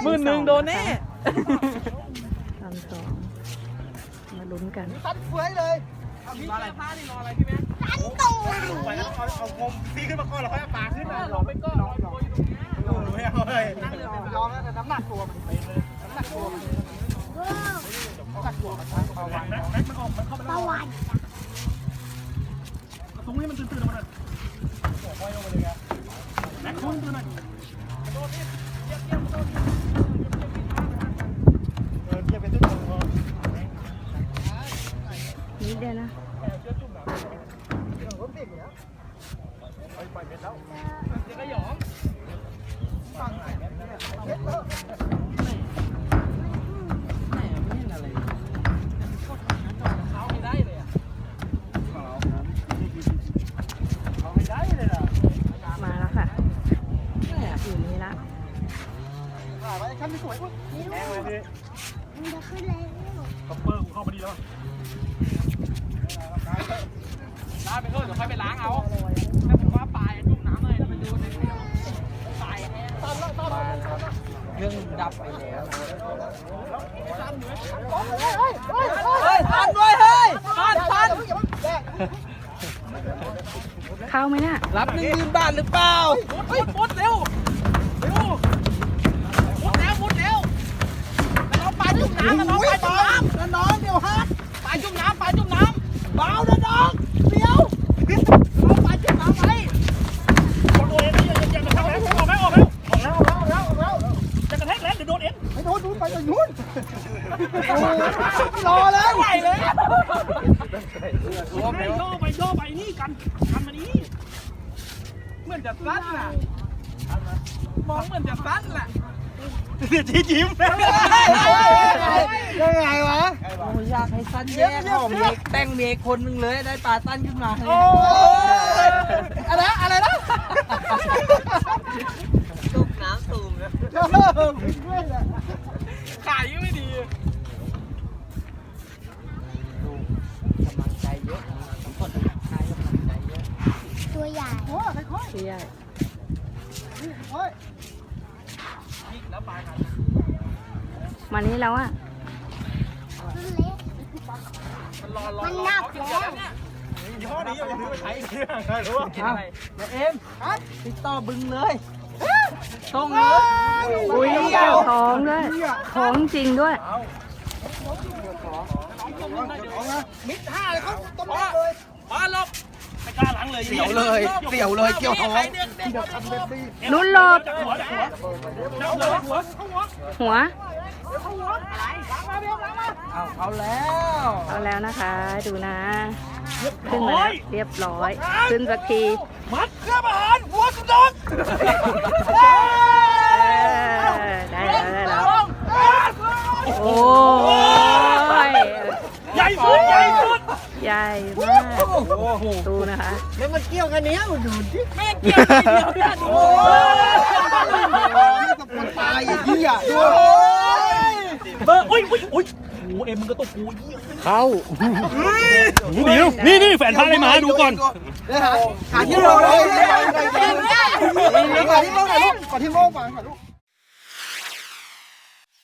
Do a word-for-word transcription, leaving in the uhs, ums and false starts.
หมื่นหนึ่งโดนแน่ตอนสองมาลุ้นกันตันเฟ้ยเลยพี่แก้ผ้านี่รออะไรพี่แม่ตันตูไปแล้วเอาเอางมพี่ขึ้นมาก่อนแล้วค่อยเอาปลาขึ้นนะรอไปก่อนรออยู่ตรงนี้ไม่เอาเลยยอมแล้วแต่น้ำหนักตัวมันไปเลยน้ำหนักตัวมันน้ำหนักตัวมันเอาไว้แม็กมันออกมันเข้าไปแล้วตรงนี้มันตื่นๆมาเลยโอ้ยลงมาเลยครับแม็กตื่นๆหน่อยโดนนี่เยี่ยมเยี่ยมโดนเออเยี่ยมเป็นตุ๊กตานิดเดียวนะไปไปเม็ดแล้วเดี๋ยวก็หยองฟังไหนเม็ดเม็ดเออไหนไม่เห็นอะไรเขาไม่ได้เลยอ่ะเขาไม่ได้เลยอ่ะมาแล้วค่ะอยู่นี่ละถ่ายไว้ขั้นไม่สวยอุ้ยแรงเลยดิมันจะขึ้นเลยคัพเปอร์กูเข้ามาดีแล้วล้างไปเถอะเดี๋ยวค่อยไปล้างเอาถ้าผมว่าปลายจุ่มน้ำเลยไปดูในปลายแห้งตอนตอนเรื่องดับไปแล้วเฮ้ยทันด้วยเฮ้ยทันทันเข้าไหมเนี่ยรับหนึ่งหมื่นบาทหรือเปล่าเฮ้ยมุดเร็วเร็วมุดแล้วมุดแล้วน้องปลาจุ่มน้ำน้องปลาจุ่มน้ำน้องเดี๋ยวฮะปลาจุ่มน้ำปลาจุ่มน้ำเบานะน้องเดี๋ยวน้องปลาจุ่มน้ำไปโดนเอ็นนี่ยังยังกระแทกแล้วออกแล้วออกแล้วออกแล้วออกแล้วออกแล้วจะกระแทกแล้วเดี๋ยวโดนเอ็นไม่โดนนู้นไปนู้นรอเลยไหวเลยย่อไปย่อไปนี่กันกันมานี้เหมือนจะสั้นน่ะมองเหมือนจะสั้นแหละเดี๋ยวชี้จิ้มยังไงวะโอ้อยากให้สั้นแย่หอมเมกแต่งเมกคนหนึ่งเลยได้ปลาสั้นขึ้นมาโอ้อะไรอะไรนะจุกน้ำตูมนะขายยังไม่ดีกำลังใจเยอะคนขายกำลังใจเยอะตัวใหญ่โอ้ค่อยๆตัวใหญ่โอ้ยมานี้แล้วอ่ะมันหนักแล้วยี่ห้อนี้ยังไม่ใช้เลยรู้ว่าเอาเอ็มติดต่อบึงเลยตรงเลยอุ้ยท้องด้วยท้องจริงด้วยมิดห้าเลยเขาต้องเลยมาลบไม่กล้าล้างเลยเสียวเลยเสียวเลยเกี่ยวท้องลุ้นหลบหัวเอาเอาแล้วเอาแล้วนะคะดูนะขึ้นมาแล้วเรียบร้อยขึ้นสักทีมัดเครื่องอาหารหัวสุดยได้แล้วได้แล้วโอ้ยใหญ่สุดใหญ่สุดใหญ่มากดูนะคะแล้วมันเกี่ยวกันเนี้ยมันดูดิไม่เกี่ยวไม่เกี่ยวเนี่ยดูมันตายอย่างนี้อ่ะดูเบอร์อุ้ยอุ้ยอุ้ยโอ้เอ็มมันก็ตกกูเข้าเดี๋ยวนี่นี่แฟนพาอะไรมาดูก่อนหาที่โล่งเลยหาที่โล่งหน่อยลูกหาที่โล่งก่อนลูก